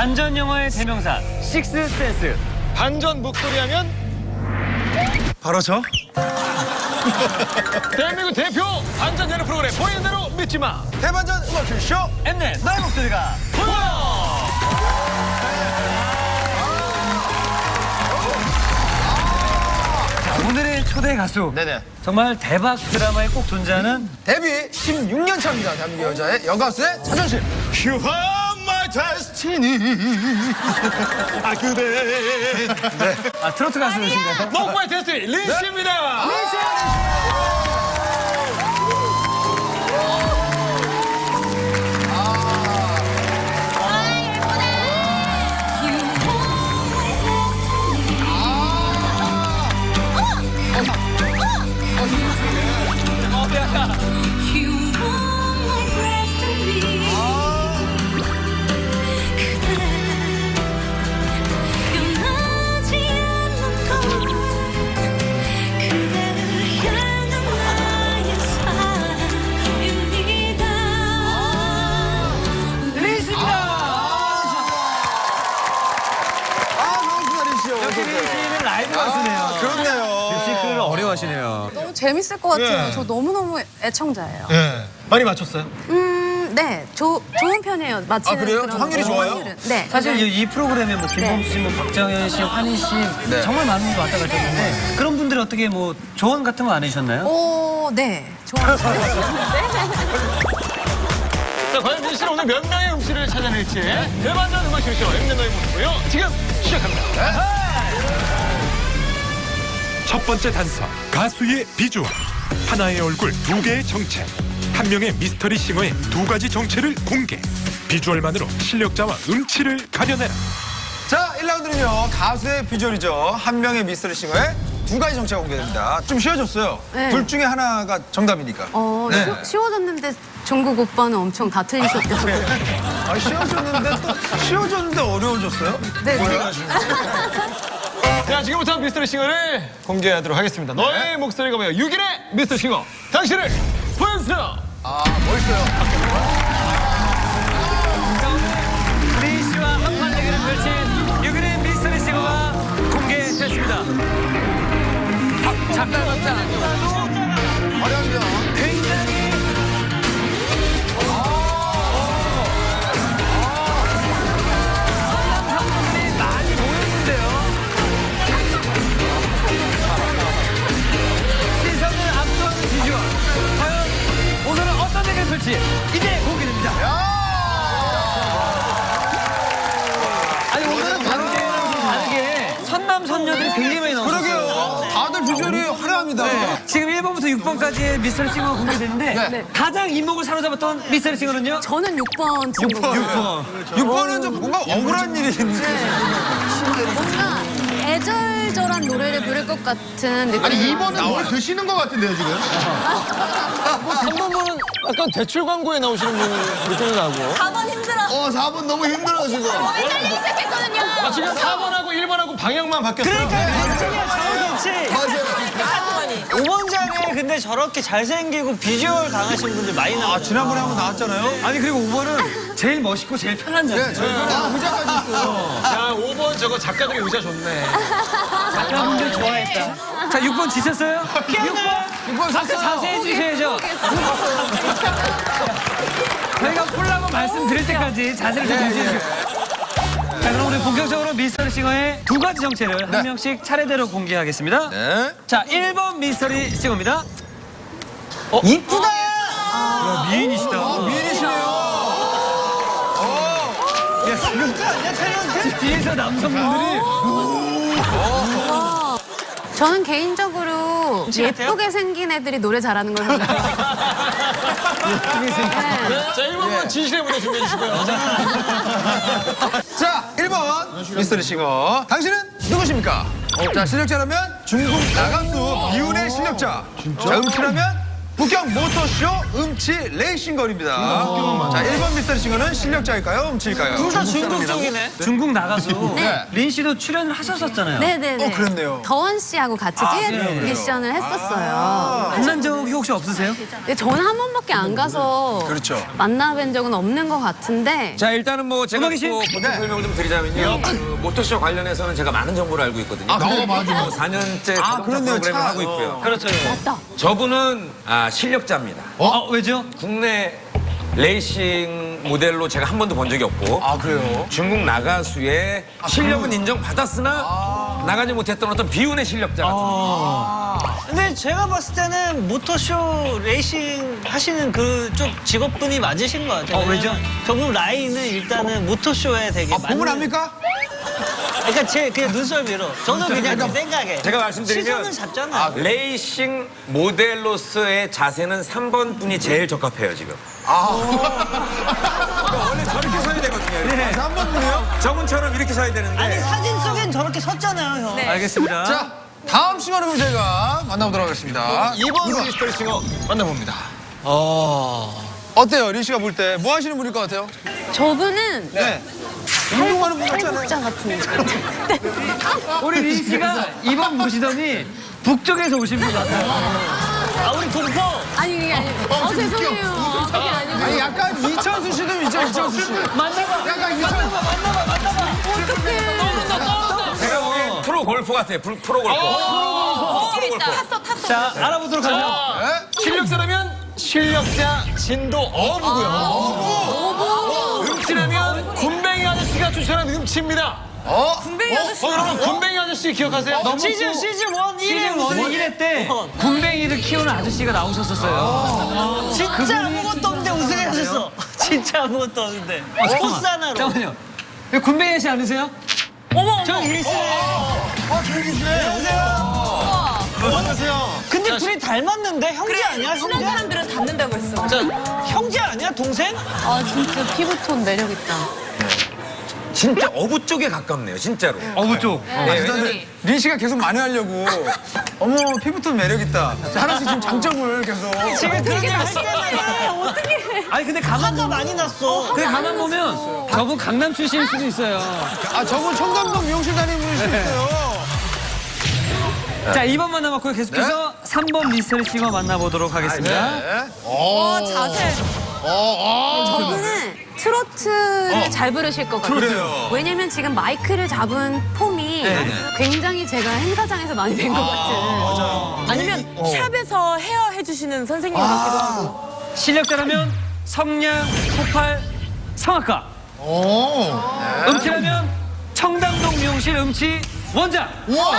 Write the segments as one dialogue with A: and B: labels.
A: 반전 영화의 대명사 식스센스.
B: 반전 목소리 하면
C: 바로 저?
B: 대한민국 대표 반전 예능 프로그램 보이는 대로 믿지 마.
C: 대반전 음악 큐쇼
A: 엠넷 나의 목소리가
B: 보여.
A: 오늘의 초대 가수.
C: 네네.
A: 정말 대박 드라마에 꼭 존재하는
C: 데뷔 16년 차입니다. 대한민국 여자의 여가수의 자존심.
B: You are my destiny. 아 그대.
A: 트로트 가수이신가요?
B: 목마의 데스티니 린씨입니다.
A: 역시 린 씨는 라이브 가수네요.
C: 그렇네요.
A: 뮤지컬을 어려워하시네요.
D: 너무 재밌을 것 같아요.
B: 예.
D: 저 너무너무 애청자예요.
B: 네. 많이 맞췄어요?
D: 네. 좋은 편이에요. 맞히는
C: 그래요?
D: 그런
C: 확률이 좋아요?
D: 확률은. 네.
A: 사실 이 프로그램에 뭐 김범수 씨, 뭐 박정현 씨, 환희 씨 정말 많은 분들 왔다 갔다 했는데 그런 분들이 어떻게 뭐 조언 같은 거 안 해주셨나요?
D: 네. 좋아요.
B: 자, 과연 린 씨는 오늘 몇 명의 음식을 찾아낼지 대반전 음악 쇼 엠넷 너의 모습이요. 지금 시작합니다.
E: 첫 번째 단서, 가수의 비주얼. 하나의 얼굴, 두 개의 정체. 한 명의 미스터리 싱어의 두 가지 정체를 공개. 비주얼만으로 실력자와 음치를 가려내라.
C: 자, 1라운드는요. 가수의 비주얼이죠. 한 명의 미스터리 싱어의 두 가지 정체가 공개됩니다. 좀 쉬워졌어요.
D: 네.
C: 둘 중에 하나가 정답이니까. 네.
D: 쉬워졌는데 종국 오빠는 엄청 다 틀리셨더라고요.
C: 아, 쉬워졌는데 어려워졌어요?
D: 네.
B: 자, 지금부터 미스터리 싱어를 공개하도록 하겠습니다. 너의 목소리가 뭐야? 6일의 미스터리 싱어. 당신을 보여주세요.
C: 아, 멋있어요.
A: 린 씨와 한판 대결을 펼친 6일의 미스터리 싱어가 공개됐습니다. 잠깐
C: 어려운데요.
A: 굉장히 선남선녀들이 많이 모였는데요. 시선을 압도하는 비주얼. 과연 오늘은 어떤 대결을 펼지 이제 공개됩니다. 아니 오늘은 다른 대회랑 좀 다르게 선남선녀들이 굉장히 많이 나왔어요.
C: 그러게요. 다들 비주얼이 화려합니다.
A: 지금 1번부터 6번까지의 미스터리 싱어가 공개됐는데
C: 네.
A: 가장 이목을 사로잡았던 미스터리 싱어는요?
D: 저는 6번 친구.
C: 6번은 좀 뭔가 억울한 일이 있는데.
D: 뭔가 애절절한 노래를 부를 것 같은 느낌.
F: 아니 2번은 뭘 드시는 것 같은데요 지금?
B: 3번은 약간 대출 광고에 나오시는 분 느낌이 나고.
D: 4번 힘들어.
F: 4번 너무 힘들어 지금.
D: 헷갈리기 시작했거든요.
B: 아, 지금 4번하고 1번하고 방향만 바뀌었어요.
F: 맞아요.
G: 5번장에 근데 저렇게 잘생기고 비주얼 강하신 분들 많이 나와요.
C: 지난번에 한번 나왔잖아요.
A: 아니 그리고 5번은 제일 멋있고 제일 편한 자세.
F: 의자까지 있어요.
B: 야, 5번 저거 작가들이 의자 좋네.
A: 작가분들 좋아했다. 자 6번 지셨어요? 6번 자세히 주셔야죠. 저희가 풀라고 말씀드릴 때까지 자세를 좀 유지해주세요. 자 그럼 우리 본격적으로 미스터리 싱어의 두 가지 정체를 한 명씩 차례대로 공개하겠습니다.
C: 네.
A: 자 1번 미스터리 싱어입니다.
G: 이쁘다!
A: 야, 미인이시다.
C: 미인이시네요.
A: 야, 지금 뒤에서 남성분들이
D: 저는 개인적으로
G: 같아요?
D: 예쁘게 생긴 애들이 노래 잘하는 걸 생각해요. 네.
B: 자, 1번은 진실의 무대 준비해 주시고요.
C: 자, 1번 미스터리 싱어. 당신은 누구십니까? 자, 실력자라면 중국 나가수 이윤의 실력자. 자, 음치라면 북경 모터쇼 음치 레이싱걸입니다. 자, 1번 미스터리 싱어는 실력자일까요? 음치일까요?
G: 둘 다 중국 쪽이네.
A: 중국 나가수
C: 네.
A: 린 씨도 출연을 하셨었잖아요.
D: 네네네.
C: 그랬네요.
D: 더원 씨하고 같이 듀엣
A: 그래요?
D: 미션을 했었어요.
A: 만난 적이 혹시 없으세요?
D: 근데 저는 한 번밖에 안 가서
C: 그렇죠.
D: 만나뵌 적은 없는 것 같은데
H: 자 일단은 뭐 제가
A: 음악이 씨?
H: 또 보통 설명을 좀 드리자면요. 그 모터쇼 관련해서는 제가 많은 정보를 알고 있거든요.
F: 맞아.
H: 4년째 자동차
C: 그렇네요.
H: 프로그램을
C: 차,
H: 하고 있고요.
A: 그렇죠.
D: 맞다.
H: 저분은 실력자입니다.
A: 왜죠?
H: 국내 레이싱 모델로 제가 한 번도 본 적이 없고
C: 아, 그래요?
H: 중국 나가수의 실력은 인정받았으나 나가지 못했던 어떤 비운의 실력자 같은
G: 근데 제가 봤을 때는 모터쇼 레이싱 하시는 그쪽 직업분이 맞으신 것 같아요.
A: 왜죠?
G: 저분 라인은 일단은 모터쇼에 되게
C: 보물 압니까?
G: 그러니까 제 그냥 눈썰미로. 저는 그냥 제 생각에.
H: 제가 말씀드리면
G: 시선은 잡잖아요.
H: 레이싱 모델로서의 자세는 3번 분이 제일 적합해요 지금. 원래 저렇게 서야 되거든요.
C: 한 번 분이요?
H: 저분처럼 이렇게 서야 되는데.
G: 아니 사진 속엔 저렇게 섰잖아요, 형.
A: 알겠습니다.
C: 자, 다음 싱어를 저희가 만나보도록 하겠습니다.
B: 2번 미스터리 싱어 만나봅니다.
C: 어때요? 린 씨가 볼 때 뭐 하시는 분일 것 같아요?
D: 저분은
C: 네. 운동하는 분 같잖아요.
D: 탈북자 같은.
A: 우리 린 씨가 이번 보시더니 북쪽에서 오신 분 같아요.
G: 아, 우리 동포.
D: 아니 그게 아니고. 죄송해요. 그게 아니고.
C: 아니, 약간 이찬수 씨도 있죠, 이찬수 씨.
A: 만나봐.
C: 약간 이찬수.
H: 제가 보기엔 프로 골프 같아요. 프로 골프.
A: 자, 알아보도록 하죠.
B: 실력자라면 실력자 진도 어부고요. 음치라면 군뱅이 아저씨가 추천한 음치입니다. 여러분 군뱅이 아저씨 기억하세요?
G: 시즌 1
A: 시즌 1의 1회 때 군뱅이를 키우는 아저씨가 나오셨었어요.
G: 진짜 아무것도 없는데 우승하셨어. 진짜 아무것도 없는데. 코스 하나로.
A: 잠깐만요. 이거 군뱅이 아저씨 아니세요?
G: 저 일시네.
C: 안녕하세요.
G: 근데 둘이 닮았는데 형제 아니야?
D: 친한
G: 형제?
D: 사람들은 닮는다고 했어.
G: 형제 아니야? 동생?
D: 아 진짜 피부톤 매력 있다.
H: 진짜 어부 쪽에 가깝네요. 진짜로.
A: 어부 쪽.
C: 린 씨가 계속 만회하려고. 어머, 피부톤 매력있다. 하나씩 지금 장점을 계속.
G: 지금 그런 일 할 때마다
A: 아니 근데 가만
G: 화가
A: 보면
G: 많이 났어.
A: 근데 가만 보면 저분 강남 출신일 수도 있어요.
C: 저분 청담동 미용실 다니는 분일 수도 있어요.
A: 자, 2번 만나봤고요. 계속해서 3번 미스터리 싱어 만나보도록 하겠습니다.
D: 자세. 저분은 트로트를 잘 부르실 것 같아요.
C: 그래요.
D: 왜냐면 지금 마이크를 잡은 폼이 굉장히 제가 행사장에서 많이 된 것 같은.
I: 아니면 샵에서 헤어 해주시는 선생님 같기도 하고.
A: 실력자라면 성량, 폭발, 성악가. 음치라면 청담동 미용실 음치 원장.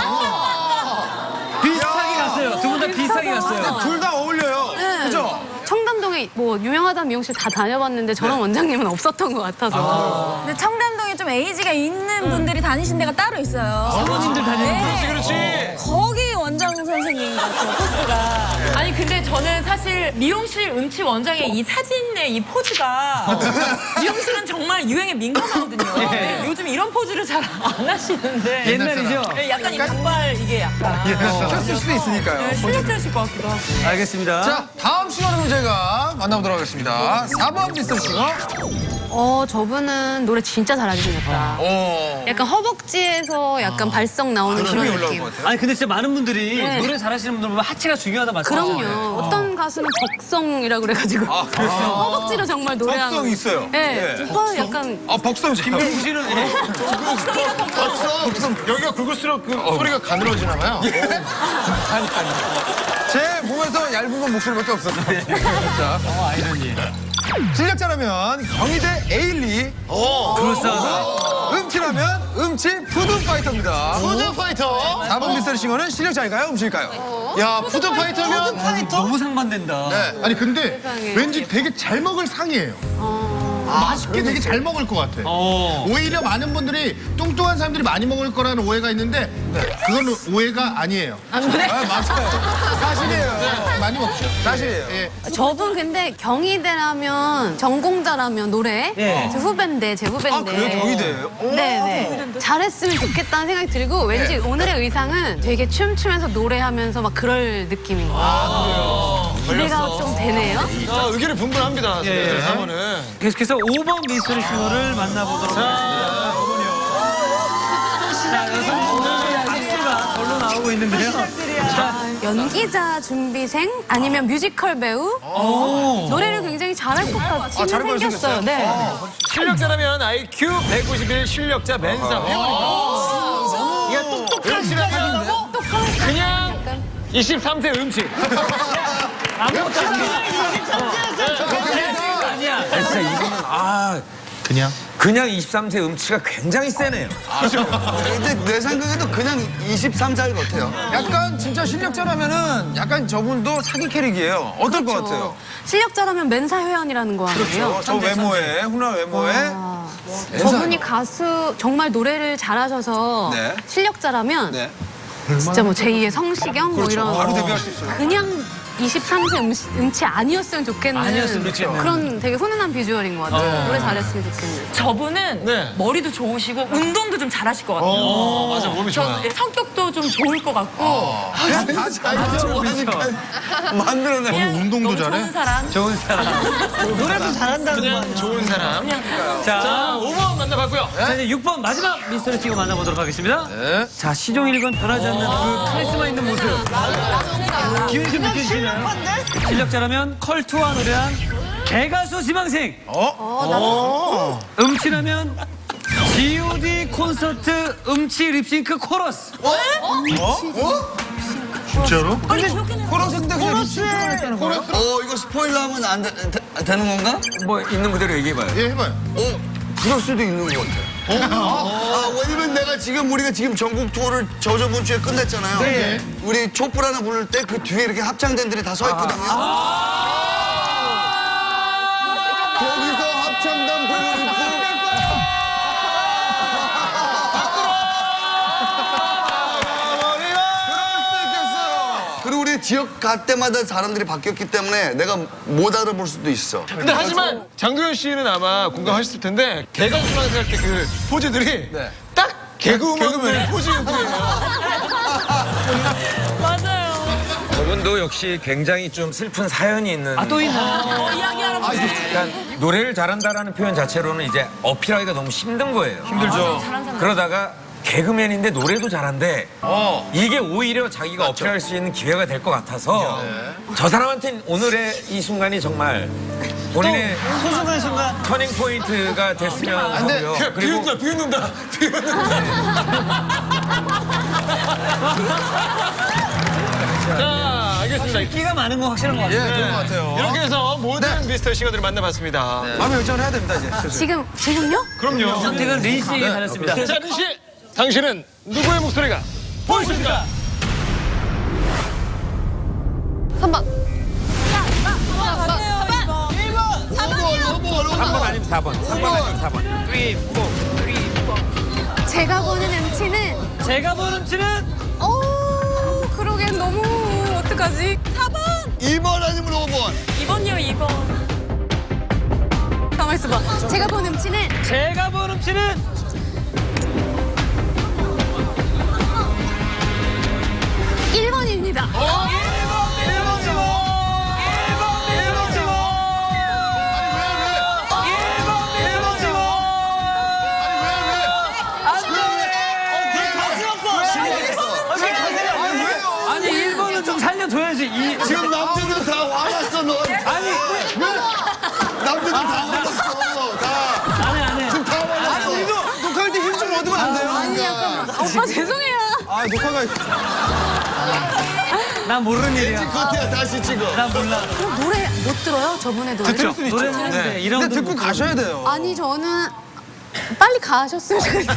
A: 비슷하게 갔어요. 두 분 다 비슷하게 갔어요.
C: 둘 다 어울려요. 그죠?
D: 청담동에 뭐 유명하다는 미용실 다 다녀봤는데 저런 원장님은 없었던 것 같아서.
I: 근데 청담동에 좀 에이지가 있는 분들이 다니신 데가 따로 있어요.
A: 사모님들 다니는
I: 네.
B: 그렇지.
I: 거기 원장 선생님 같아요, 코스가. 아니, 근데 저는 사실 미용실 음치 원장의 이 사진의 이 포즈가 미용실은 정말 유행에 민감하거든요. 근데 요즘 이런 포즈를 잘 안 하시는데.
A: 옛날이죠?
I: 네, 약간 이 단발 이게 약간.
C: 켰을 수도 있으니까요.
I: 네, 실력자실 것 같기도 하고.
A: 알겠습니다.
C: 자, 다음 싱어를 저희가 만나보도록 하겠습니다. 4번 미스터리 싱어.
D: 저분은 노래 진짜 잘하게 생겼다. 약간 허벅지에서 약간 발성 나오는 그런
C: 힘이 올라올
D: 느낌.
C: 것 같아요.
A: 아니 근데 진짜 많은 분들이
D: 네.
A: 노래 잘하시는 분들 보면 하체가 중요하다 말씀하시잖아요.
D: 그럼요. 어떤 가수는 벅성이라고 그래가지고 허벅지로 정말 노래하는.
C: 벅성 있어요.
D: 네.
C: 예.
D: 오빠 약간
C: 벅성 잘.
A: 김경수 씨는
F: 여기가 굵을수록 그 소리가 가늘어지나 봐요.
C: 제 몸에서 얇은 건 목소리밖에 없어요. 자,
A: 아이러니.
C: 실력자라면 경희대 에일리,
A: 그럴싸하다.
C: 음치라면 음치 푸드파이터입니다.
F: 푸드파이터.
C: 4번 미스터리 싱어는 실력자일까요? 음치일까요?
F: 야, 푸드파이터면.
A: 너무 상반된다.
F: 네. 아니, 근데
D: 세상에.
F: 왠지 되게 잘 먹을 상이에요. 맛있게 되게 잘 먹을 것 같아. 오히려 많은 분들이 뚱뚱한 사람들이 많이 먹을 거라는 오해가 있는데 그건 오해가 아니에요.
C: 맞아요. 사실이에요.
F: 많이 먹죠.
C: 사실이에요.
F: 예.
D: 저분 근데 경희대라면 전공자라면 노래
A: 예.
D: 제 후배인데 제 후배인데.
C: 아, 그래요? 경희대예요?
D: 네네. 잘했으면 좋겠다는 생각이 들고 왠지 오늘의 의상은 되게 춤추면서 노래하면서 막 그럴 느낌인 거예요. 기대가 좀 되네요.
B: 의견이 분분합니다.
A: 예.
B: 3번은.
A: 계속해서 5번 미스터리 싱어를 만나보도록 하겠습니다. 자, 여성분들의 박수가 절로 나오고 있는데요.
D: 연기자 준비생 아니면 뮤지컬 배우 노래를 굉장히 잘할 것 같이
C: 잘할
D: 생겼어요. 네.
B: 실력자라면 IQ 191 실력자 맨사 회원이고. 이게 똑똑한 실력자라고 그냥 23세 음치.
A: 아무것도 아니야.
H: 진짜 이거는 그냥 23세 음치가 굉장히 세네요.
C: 근데 내 생각에도 그냥 23살 같아요. 약간 진짜 실력자라면은 약간 저분도 사기 캐릭이에요. 어떨 것 같아요?
D: 실력자라면 맨사 회원이라는 거 아니에요?
C: 저 외모에, 훈훈한 외모에.
D: 저분이 가수 정말 노래를 잘하셔서
C: 네.
D: 실력자라면
C: 네.
D: 진짜 뭐 제2의 성시경 뭐 이런
C: 바로 데뷔할 수 있어요.
D: 그냥 23세 음치 아니었으면 좋겠는
A: 아니었으면 좋겠는.
D: 그런 되게 훈훈한 비주얼인 것 같아요. 노래 잘했으면 좋겠는.
I: 저분은
B: 네.
I: 머리도 좋으시고 운동도 좀 잘하실 것 같아요.
B: 맞아, 몸이 좋아.
I: 저 성격도 좀 좋을 것 같고
C: 다 좋아하니까 만들어내.
I: 그냥
F: 운동도
I: 너무
F: 잘해?
I: 좋은 사람.
A: 좋은 사람.
G: 노래도 잘한다는 거
B: 그냥 좋은 사람.
A: 자,
B: 자, 5번 만나봤고요.
A: 자, 이제 6번 마지막 미스터리 싱어 만나보도록 하겠습니다. 자, 시종일관 변하지 않는 그 카리스마 있는 모습. 기운이 좀 느껴지시나요? 실력자라면 컬투와 노래한 개가수 지망생. 음치라면 G.O.D 콘서트 음치 립싱크 코러스.
F: 진짜로?
C: 코러스인데 그냥 립싱크만 했다는 거예요?
J: 이거 스포일러 하면 안 되는 건가?
H: 뭐 있는 그대로 얘기해봐요.
F: 예, 해봐요.
J: 그럴 수도 있는 것 같아. 왜냐면 우리가 지금 전국 투어를 저번 주에 끝냈잖아요.
F: 네.
J: 우리 촛불 하나 부를 때 그 뒤에 이렇게 합창단들이 다 서 있거든요. 거기서 합창단 부르고 그리고 우리 지역 갈 때마다 사람들이 바뀌었기 때문에 내가 못 알아볼 수도 있어.
B: 근데 하지만 장도연 씨는 아마 공감하셨을 텐데 개그우먼 할 때 그 포즈들이 딱 개그우먼 포즈였거든요.
I: 맞아요.
H: 저분도 역시 굉장히 좀 슬픈 사연이 있는.
A: 또 있나?
I: 이야기하러 보세요.
H: 그러니까 노래를 잘한다라는 표현 자체로는 이제 어필하기가 너무 힘든 거예요.
C: 힘들죠.
H: 그러다가 개그맨인데 노래도 잘한데 이게 오히려 자기가 어필할 수 있는 기회가 될 것 같아서 저 사람한테는 오늘의 이 순간이 정말 본인의
G: 소중한 순간.
H: 터닝 포인트가 됐으면 하고요. 그리고
B: 비웃는다. 자, 알겠습니다.
A: 끼가 많은 건 확실한 것 같아요.
C: 그런 것 같아요.
B: 이렇게 해서 모든 미스터 싱어들을 만나봤습니다.
C: 마음의 결정을 해야 됩니다, 이제.
D: 지금요?
B: 그럼요.
A: 선택은 린 씨에게 달렸습니다.
B: 자, 린 씨, 당신은 누구의 목소리가 보이십니까?
D: 3번.
H: 3번 아니면 4번. 3번 아니면 4번. 3, 4, 3, 4.
D: 제가 보는 음치는
A: 제가 보는 음치는
D: 그러기엔 너무 어떡하지? 4번.
J: 2번 아니면 5번.
I: 2번이요, 2번.
D: 가만 있어봐. 제가 보는 음치는
A: 제가 보는 음치는
D: 1번입니다.
A: 아니 1번은 좀 살려줘야지.
J: 지금 남들은 다 화났어, 너.
A: 아니
J: 남들은 다 화났어. 다.
A: 안해.
J: 지금 다 화났어.
C: 녹화할 때 힘 좀 얻으면 안 돼요?
D: 아니 잠깐만. 오빠 죄송해요.
C: 녹화가.
A: 난 모르는 일이야.
J: 커트야, 다시 찍어.
A: 난 몰라.
D: 그럼 노래 못 들어요? 저분의 노래?
A: 노래는 하는데 이런
C: 근데 듣고 가셔야 돼요.
D: 아니 저는 빨리 가셨으면 좋겠어요.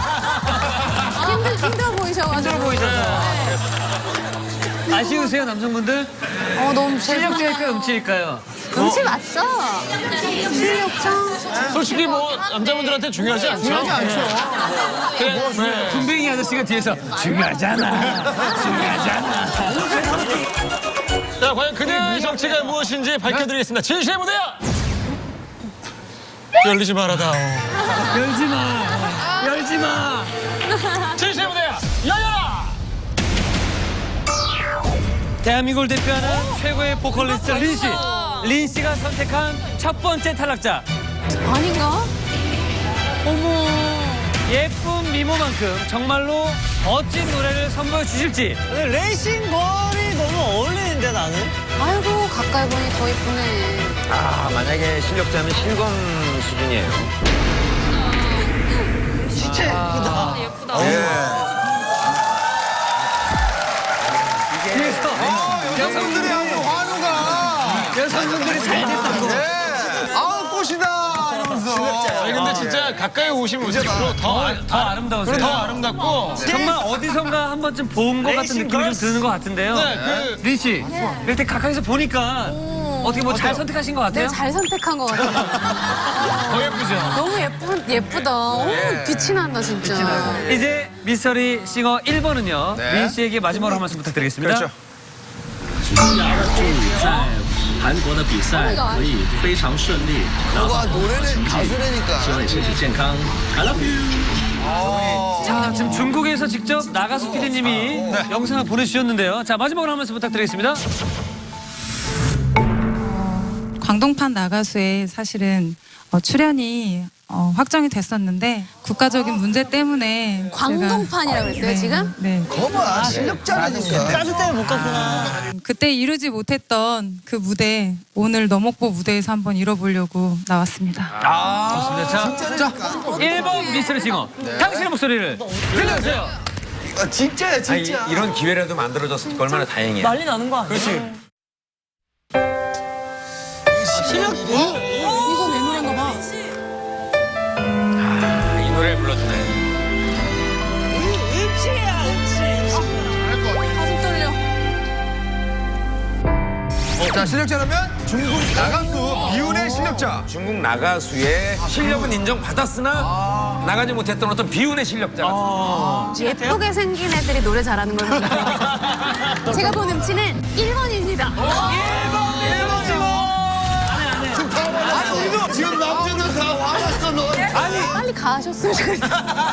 D: 힘들어 보이셔가지고.
A: 보이셔서. 아쉬우세요 남성분들?
D: 너무
A: 실력자일까요 음치일까요?
D: 음치 맞죠? 실력자.
B: 솔직히 뭐 남자분들한테 중요하지 않죠? 중요하지 않죠.
A: 군뱅이 아저씨가 뒤에서 중요하잖아. 중요하잖아.
B: 자, 과연 그녀의 정체가 무엇인지 밝혀드리겠습니다. 진실의 무대야! 열리지 말아다오.
A: 열지 마. 열지 마.
B: 진실의 무대야! 열려라!
A: 대한민국을 대표하는 최고의 보컬리스트 린 씨. 린 씨가 선택한 첫 번째 탈락자.
D: 아닌가? 어머.
A: 예쁜 미모만큼 정말로 멋진 노래를 선보여 주실지.
G: 근데 레이싱 걸이 너무 어울리는데 나는?
D: 아이고 가까이 보니 더 예쁘네.
H: 아, 만약에 실력자면 실검 수준이에요.
G: 진짜 예쁘다.
I: 예쁘다.
A: 그래서
C: 여성들이 하는 환호가.
A: 여성분들이 잘 됐다고.
C: 아우 꽃이다 이러면서.
B: 아니 근데 진짜 가까이 오시면 올수록 더
A: 아름다우세요.
B: 더 아름답고.
A: 정말 어디선가 한 번쯤 본 것 같은 느낌이 좀 드는 것 같은데요.
B: 네,
A: 린 씨, 이렇게 가까이서 보니까 어떻게 뭐 잘 선택하신 것 같아요?
D: 내가 잘 선택한 것 같아.
B: 더 예쁘죠.
D: 너무 예쁘다. 어머, 빛이 난다 진짜.
A: 이제 미스터리 싱어 1번은요. 린 씨에게 마지막으로 한 말씀 부탁드리겠습니다.
C: 그렇죠.
K: 在韩国的比赛可以非常顺利，拿
J: 와
K: 到
J: 노래는 가수라니까.
K: 希望你身体健康。I love you。
A: 자, 지금 중국에서 직접 나가수 PD님이 영상을 보내주셨는데요. 자, 마지막으로 한 말씀 부탁드리겠습니다.
L: 광동판 나가수에 사실은 출연이 확정이 됐었는데 국가적인 문제 때문에
D: 광동판이라고 했어요 지금?
L: 네.
J: 거봐 실력자라니까.
G: 짜주 때문에 못 갔구나.
L: 그때 이루지 못했던 그 무대 오늘 너목보 무대에서 한번 이뤄보려고 나왔습니다.
A: 좋습니다. 자, 1번 미스터리 싱어. 당신의 목소리를 들려주세요.
J: 아, 진짜야 진짜.
H: 이런 기회라도 만들어졌으니까 얼마나 다행이야.
I: 난리 나는 거 아니야? 그렇지.
G: 실력
D: 이거 내 노래인가 봐.
H: 아, 이 노래를 불러주네.
G: 음치야 음치.
D: 가슴 떨려.
C: 자 실력자라면 중국 나가수 비운의 실력자.
H: 중국 나가수의 실력은 인정받았으나 나가지 못했던 어떤 비운의 실력자.
D: 예쁘게 생긴 애들이 노래 잘하는 걸 보니까 제가 본 음치는 1번입니다.
J: 지금 남자들 다 화났어 너.
D: 빨리 가셨으면 좋겠어.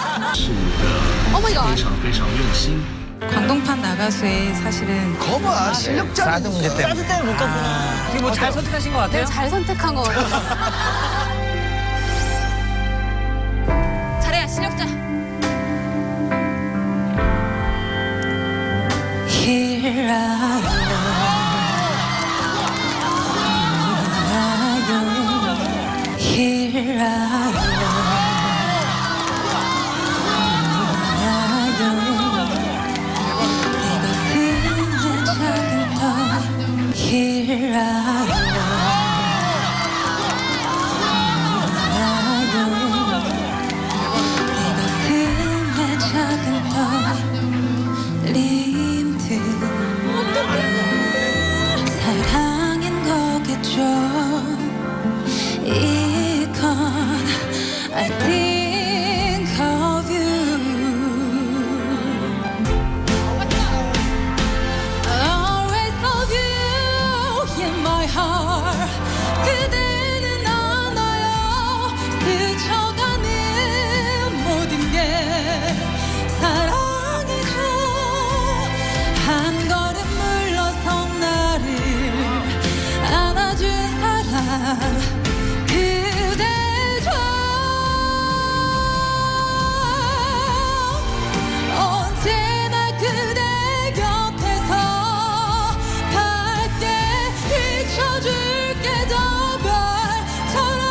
D: 어머 이거.
K: 非常非常用心。
L: 광동판 나가수에 사실은
J: 거봐 실력자라니까.
G: 짜주 때문에 못 갔구나.
A: 어떻게 뭐 잘 선택하신 것 같아요?
D: 내가 잘 선택한 것 같아. 잘해 실력자.
L: Here I am. Here I am. Here I 사랑인 거겠죠. 이건 I think of you. Always love you in my heart. 그대는 알아요. 스쳐가는 모든 게 사랑이죠. 한 걸음 물러선 나를 안아준 사람 그대죠. 언제나 그대 곁에서 밝게 비춰줄게 저 별처럼.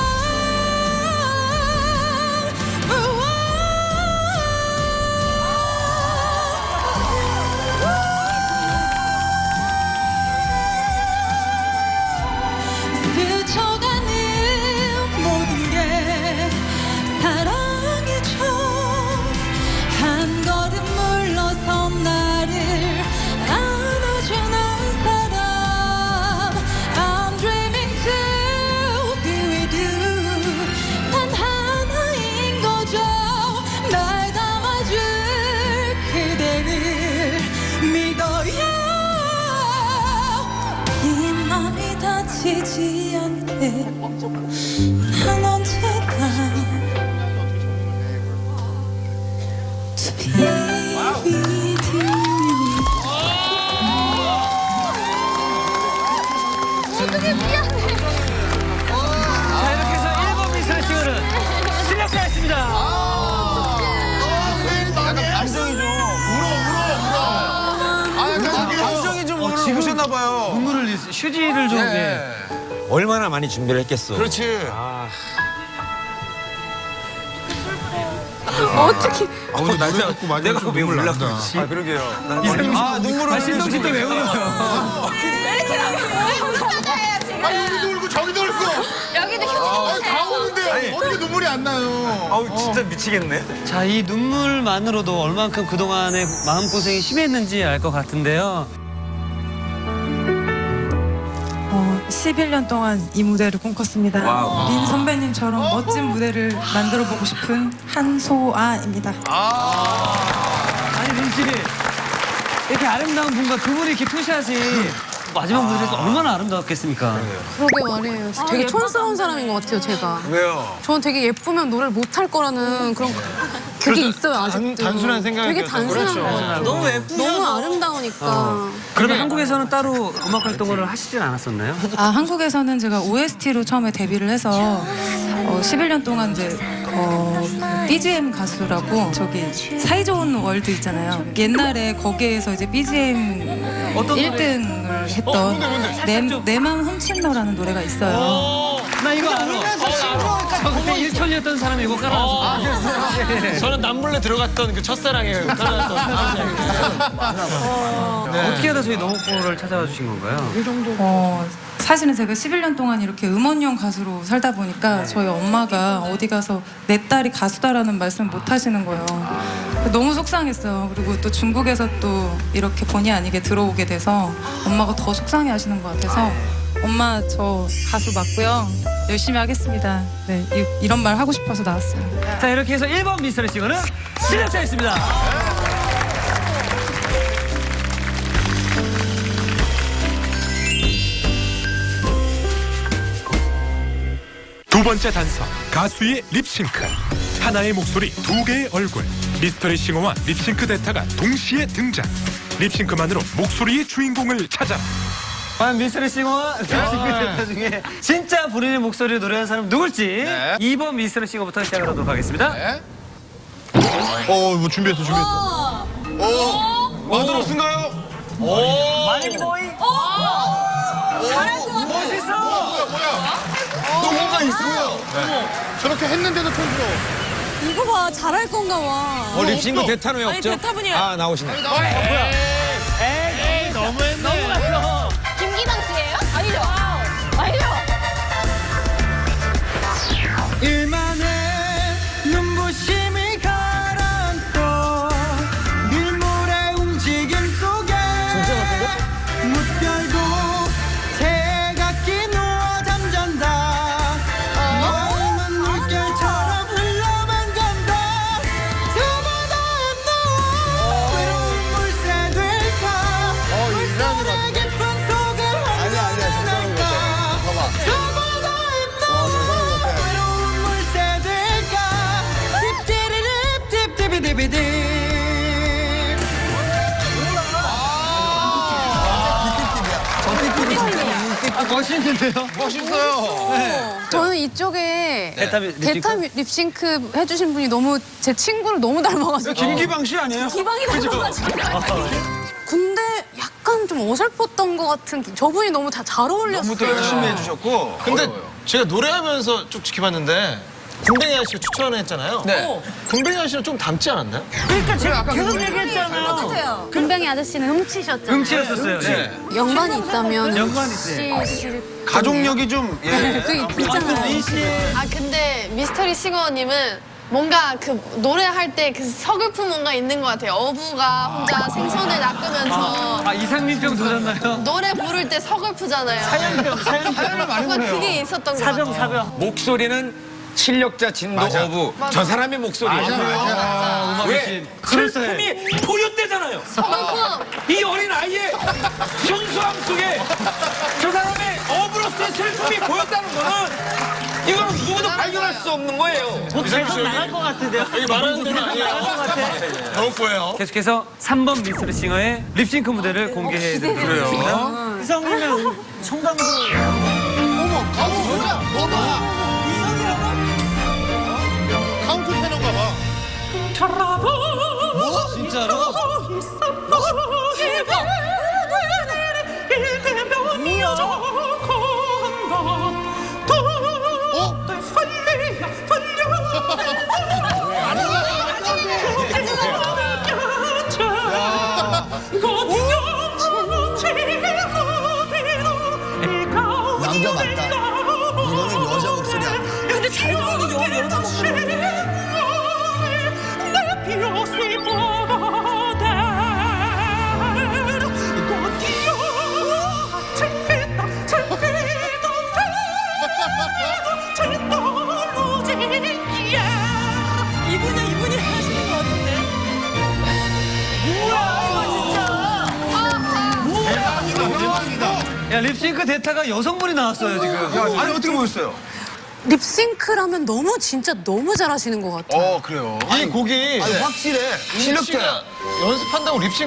L: 스쳐가는 모든 게 사랑이죠. 한 걸음 물러선 나를 안아주는 사람. I'm dreaming to be with you. 단 하나인 거죠. 날 담아줄 그대를 믿어요. 이 맘이 다치지 않게 난 언제나 to be with you.
C: 지금 오셨나봐요.
A: 눈물을 흘리세요. 휴지를 좀. 예.
H: 얼마나 많이 준비를 했겠어.
C: 그렇지.
I: 어떻게
H: 내가 왜 몰랐어?
C: 아, 그러게요.
A: 아, 눈물을 신동씨 또 왜 울어요?
F: 여기도 울고 저기도 울고.
I: 여기도
F: 다 우는데 어떻게 눈물이 안 나요?
H: 아우 진짜 미치겠네.
A: 자, 이 눈물만으로도 얼만큼 그동안의 마음고생이 심했는지 알 것 같은데요.
L: 11년 동안 이 무대를 꿈꿨습니다. 린 선배님처럼 멋진 무대를 만들어 보고 싶은 한소아입니다.
A: 아니, 눈씨 이렇게 아름다운 분과 두 분이 이렇게 투샷이 마지막 무대에서 얼마나 아름다웠겠습니까?
D: 그러게 말이에요. 되게 촌스러운 사람인 것 같아요, 제가.
C: 왜요?
D: 저는 되게 예쁘면 노래를 못할 거라는 그런 그게 있어요, 아직도.
B: 단순한
D: 되게
B: 생각이었죠.
D: 단순한 거예요.
I: 너무 예쁘셔서.
D: 너무 아름다우니까.
A: 그러면 한국에서는 따로 음악 활동을 하시진 않았었나요?
L: 한국에서는 제가 OST로 처음에 데뷔를 해서 11년 동안 이제 BGM 가수라고 저기 사이좋은 월드 있잖아요. 옛날에 거기에서 이제 BGM
A: 어떤
L: 1등을 했던 내 맘 훔친 너라는 노래가 있어요.
A: 나 이거 알아. 저 그때 일촌이었던 사람이 이거 깔아놨어.
B: 저는 남몰래 들어갔던 그 첫사랑에 깔아놨던
A: 어떻게 하다 저희 너목보를 찾아와 주신 건가요?
L: 사실은 제가 11년 동안 이렇게 음원용 가수로 살다 보니까 저희 엄마가 어디 가서 내 딸이 가수다라는 말씀 못 하시는 거예요. 너무 속상했어요. 그리고 또 중국에서 또 이렇게 본의 아니게 들어오게 돼서 엄마가 더 속상해 하시는 것 같아서 엄마 저 가수 맞고요. 열심히 하겠습니다. 네, 이런 말 하고 싶어서 나왔어요.
A: 자, 이렇게 해서 1번 미스터리 싱어는 실력자였습니다.
E: 두 번째 단서 가수의 립싱크. 하나의 목소리 두 개의 얼굴. 미스터리 싱어와 립싱크 대타가 동시에 등장. 립싱크만으로 목소리의 주인공을 찾아.
A: 과연 미스터리 싱어와 립싱크 대타 중에 진짜 본인의 목소리로 노래하는 사람 누굴지 2번 미스터리 싱어부터 시작하도록 하겠습니다.
F: 뭐 준비했어.
C: 마드로스인가요?
A: 마린보이. 잘할 것 같아. 멋있어.
C: 또 뭔가 있어요.
F: 저렇게 했는데도 촌스러워.
D: 이거 봐, 잘할 건가 봐.
H: 립싱크 대타는 왜
I: 아니,
H: 없죠?
I: 대타분이야.
H: 아 나오시네.
A: 에이, 너무했네. 너무 갔어.
I: 김기방 씨예요? 아니죠? 아니죠?
A: 일만의 눈부심이 가라앉고 밀물의 움직임 속에 무별도 새각기 누워 잠잔다. 마음은 물결처럼 흘러만 간다. 저마다 너 외로운 물새 될까. 물소리 깊은 속에 한잔할까. 저마다 너 외로운 물새 될까. 딥디리립 딥디비디비디. 멋있는데요?
C: 멋있어요.
D: 저는 이쪽에
A: 대타
D: 립싱크 해주신 분이 너무 제 친구를 너무 닮아가지고.
C: 김기방 씨 아니에요?
D: 기방이 닮아가지고. 근데 약간 좀 어설펐던 것 같은 저분이 너무 잘 어울렸어요.
C: 너무 또 열심히 해주셨고.
B: 근데 제가 노래하면서 쭉 지켜봤는데 군뱅이 아저씨가 추천을 했잖아요.
C: 네.
B: 군뱅이 아저씨는 좀 닮지 않았나요?
A: 그러니까 제가 계속 얘기했잖아요.
D: 똑같아요. 금병이 아저씨는 훔치셨잖아요.
A: 음치였었어요. 네.
D: 연관이 있다면
A: 연관이 있어요.
C: 가족력이 좀, 예.
D: 그 있잖아요.
M: 아 근데 미스터리 싱어님은 뭔가 그 노래할 때 그 서글픈 뭔가 있는 것 같아요. 어부가 혼자 생선을 낚으면서
A: 이상민병 도졌나요?
M: 노래 부를 때 서글프잖아요.
A: 사연을 많이
M: 뭔가 그게 있었던 것 같아요.
A: 사병.
H: 목소리는 실력자 진도 어부. 저 사람의 목소리. 왜? 슬픔이 포효되잖아요.
M: 서글픔.
H: 이 어린 아이의 순수함 속에 저 사람의 어부로서의 슬픔이 보였다는 거는 이거는 누구도 발견할 수 없는 거예요.
A: 계속 나갈 것 같은데요?
B: 여기 말하는 대로
A: 나갈 것 같아.
B: 너무 보여요.
A: 계속해서 3번 미스터리 싱어의 립싱크 무대를 공개해드리도록 하겠습니다. 이성이면 송강도.
F: 카운트 테너인가 봐.
A: 진짜로? 야, 립싱크 대타가 여성분이 나왔어요, 지금.
J: 아니 어떻게 보였어요?
D: 립싱크라면 진짜 너무 잘하시는 것 같아요.
J: 그래요.
B: 이 곡이
J: 아니, 확실해. 실력자야.
B: 연습한다고 립싱